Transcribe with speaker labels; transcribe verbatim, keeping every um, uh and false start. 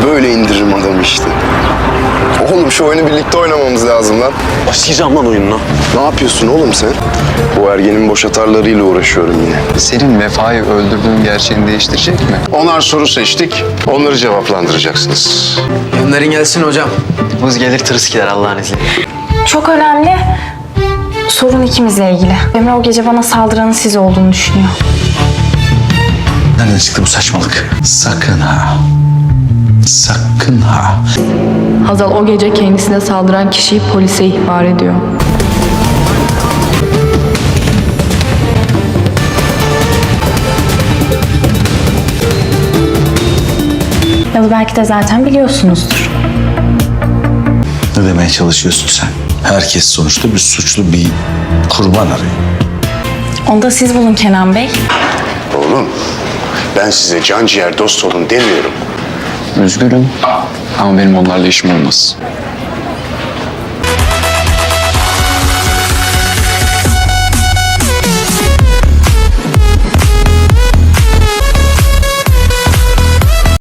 Speaker 1: böyle indiririm adamı işte. Oğlum şu oyunu birlikte oynamamız lazım lan.
Speaker 2: Başlayacağım lan oyununa.
Speaker 1: Ne yapıyorsun oğlum sen? Bu ergenin boş atarlarıyla uğraşıyorum yine.
Speaker 3: Senin Vefa'yı öldürdüğün gerçeğini değiştirecek mi?
Speaker 1: Onar soru seçtik. Onları cevaplandıracaksınız.
Speaker 4: Gönderin gelsin hocam.
Speaker 2: Vız gelir tırıs gider Allah'ın izniyle.
Speaker 5: Çok önemli. Sorun ikimizle ilgili. Emre o gece bana saldıranın siz olduğunu düşünüyor.
Speaker 6: Nereden çıktı bu saçmalık? Sakın ha. Sakın ha.
Speaker 7: Hazal o gece kendisine saldıran kişiyi polise ihbar ediyor.
Speaker 5: Ya da belki de zaten biliyorsunuzdur.
Speaker 6: Ne demeye çalışıyorsun sen? Herkes sonuçta bir suçlu, bir kurban arıyor.
Speaker 5: Onu da siz bulun Kenan Bey.
Speaker 1: Oğlum ben size can ciğer dost olun demiyorum.
Speaker 3: Üzgünüm ama benim onlarla işim olmaz.